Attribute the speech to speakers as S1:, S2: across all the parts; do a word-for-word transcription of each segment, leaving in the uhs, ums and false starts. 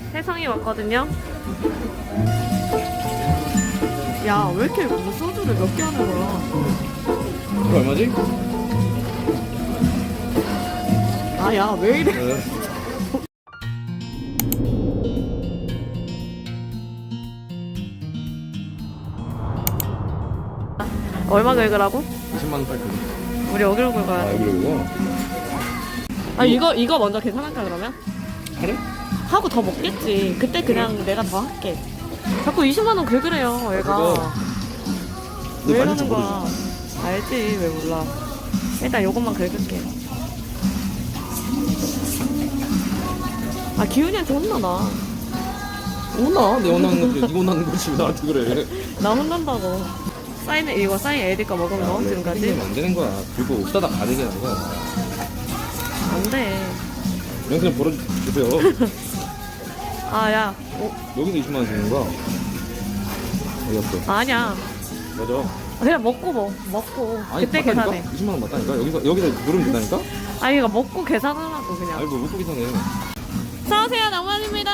S1: 혜성이 왔거든요.
S2: 야, 왜 이렇게 무슨 소주를 몇 개 하는 거야?
S3: 이거 얼마지?
S2: 아, 야, 왜 이래?
S3: 네.
S1: 얼마 긁으라고?
S3: 이십만 원 팔 거.
S1: 우리 여기로 긁어야
S3: 아,
S1: 돼.
S3: 여기로 이거?
S1: 아 이거 이거 먼저 계산할까 그러면?
S3: 그래?
S1: 하고 더 먹겠지. 그때 그냥 내가 더 할게. 자꾸 이십만 원 긁으래요 얘가.
S3: 그거.
S1: 왜
S3: 근데
S1: 이러는
S3: 맞을지
S1: 거야? 알지 왜 몰라. 일단 요것만 긁을게. 아 기훈이한테 혼나나.
S3: 혼나? 내 혼나는 건데 니 혼나는 거지 왜 나한테 그래?
S1: 나 혼난다고. 사인 이거 사인 에디가 먹은 거 지금까지
S3: 땡기면 안 되는 거야. 그리고 없다가 가득이 아니라.
S1: 안 돼.
S3: 영상 벌어주세요.
S1: 아야
S3: 여기서 이십만 원 주는 거야. 어디 갔어?
S1: 아니야.
S3: 맞아.
S1: 그냥 먹고 뭐 먹고
S3: 아니,
S1: 그때
S3: 맞다니까?
S1: 계산해.
S3: 이십만 원 맞다니까? 여기서, 여기서 누르면 된다니까?
S1: 아니 이거 먹고 계산하라고 그냥.
S3: 아니, 뭐, 못 보기 전에.
S1: 어서오세요 낭만입니다.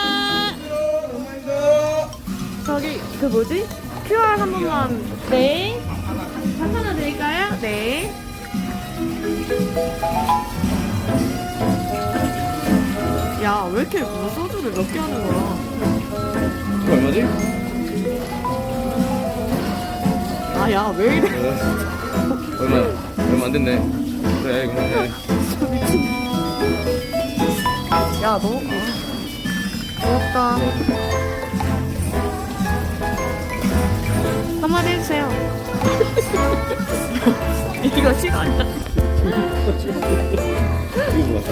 S1: 저기 그 뭐지? 큐알 한 번만. 네. 한 하나 드릴까요? 네.
S2: 야, 왜 이렇게 무슨 소주를 몇 개 하는 거야?
S3: 이거 얼마지?
S2: 아, 야, 왜 이래?
S3: 네. 얼마, 얼마 안 됐네. 그래, 그래.
S2: 야, 너. 아, 고맙다.
S1: 한마디 해주세요.
S2: 이거 시간이다.
S3: 이거 뭐야?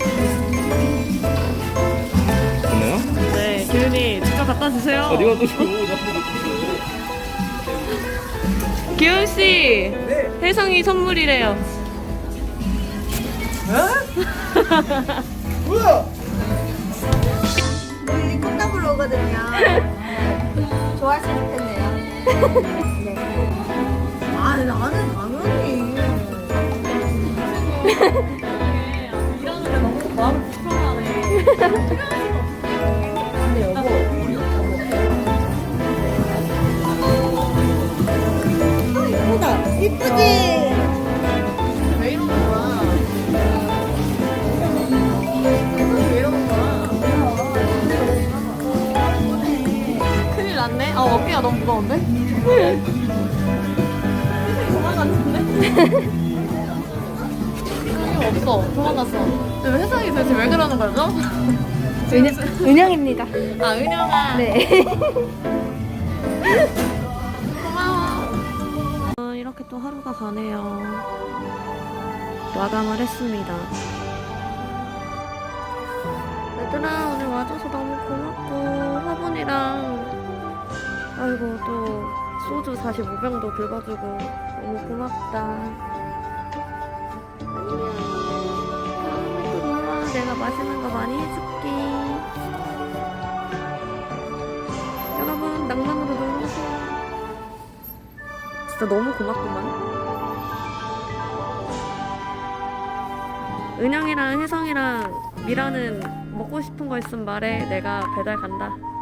S3: 됐나요?
S1: 네, 기훈이 직접 갖다 주세요.
S3: 아, 네가 또 줘.
S1: 기훈 씨, 혜성이 선물이래요.
S4: 우리 콩나물 오거든요. 좋아하시면 좋겠네요. 네. 아, 나는 당연히.
S1: 이러는데 너무 마음 불편하네.
S4: 근데 여보. 아, 이쁘다. 이쁘지?
S1: 왜 이러는 거야? 왜 이러는 거야? 큰일 났네. 아 어깨가 너무 무거운데? 도망갔는데? 없어. 도망갔어. 근데 왜 세상이 도대체 왜 그러는 거죠?
S4: 은영, 은영입니다.
S1: 아 은영아.
S4: 네.
S1: 고마워. 어, 이렇게 또 하루가 가네요. 마감을 했습니다. 얘들아 오늘 와줘서 너무 고맙고 화분이랑 아이고 또 소주 사십오 병도 긁어주고 너무 고맙다. 안녕. 다음에 또 놀아. 내가 맛있는 거 많이 해줄게. 여러분 낭만으로 놀러오세요. 진짜 너무 고맙구만. 은영이랑 혜성이랑 미라는 먹고 싶은 거 있으면 말해. 내가 배달 간다.